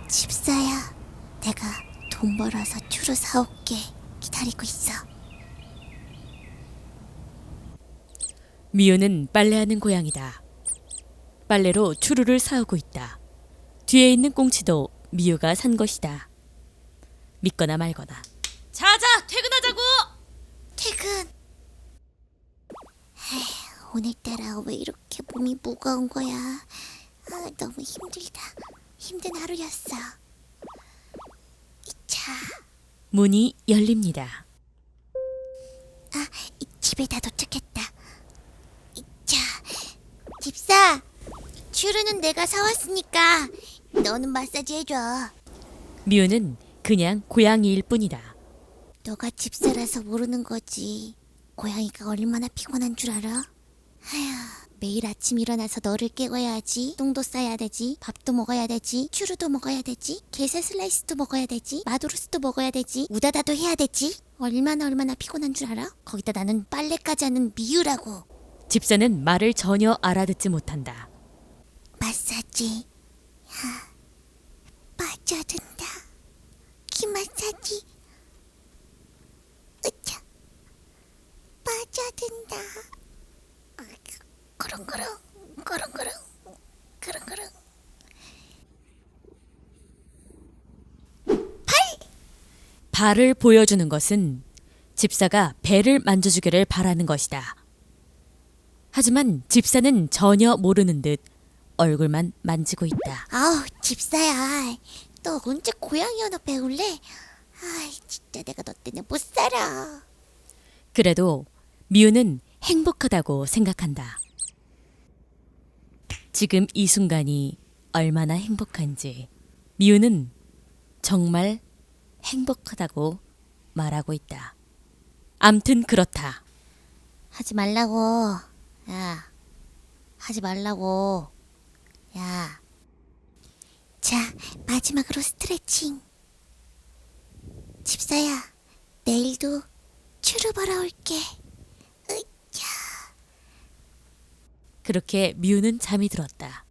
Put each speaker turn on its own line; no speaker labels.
집사야, 내가 돈 벌어서 추루 사올게. 기다리고 있어.
미우는 빨래하는 고양이다. 빨래로 추루를 사오고 있다. 뒤에 있는 꽁치도 미우가 산 것이다. 믿거나 말거나. 자자, 퇴근하자고!
퇴근. 오늘따라 왜 이렇게 몸이 무거운 거야? 너무 힘들다. 힘든 하루였어. 이차.
문이 열립니다.
이 집에 다 도착했다. 이차. 집사, 추루는 내가 사왔으니까 너는 마사지 해줘.
미우는 그냥 고양이일 뿐이다.
너가 집사라서 모르는 거지. 고양이가 얼마나 피곤한 줄 알아? 아휴, 매일 아침 일어나서 너를 깨워야지. 똥도 싸야 되지. 밥도 먹어야 되지. 추루도 먹어야 되지. 게세 슬라이스도 먹어야 되지. 마도로스도 먹어야 되지. 우다다도 해야 되지. 얼마나 피곤한 줄 알아? 거기다 나는 빨래까지 하는 미유라고.
집사는 말을 전혀 알아듣지 못한다.
마사지. 빠져든다. 키 마사지. 으차. 빠져든다. 그렁그렁 그렁그렁 그렁그렁.
발을 보여주는 것은 집사가 배를 만져주기를 바라는 것이다. 하지만 집사는 전혀 모르는 듯 얼굴만 만지고 있다.
아우, 집사야, 너 언제 고양이 언어 배울래? 진짜 내가 너 때문에 못 살아.
그래도 미우는 행복하다고 생각한다. 지금 이 순간이 얼마나 행복한지 미우는 정말 행복하다고 말하고 있다. 암튼 그렇다.
하지 말라고. 야, 하지 말라고. 야. 자, 마지막으로 스트레칭. 집사야, 내일도 추루 벌어 올게. 으쌰.
그렇게 미우는 잠이 들었다.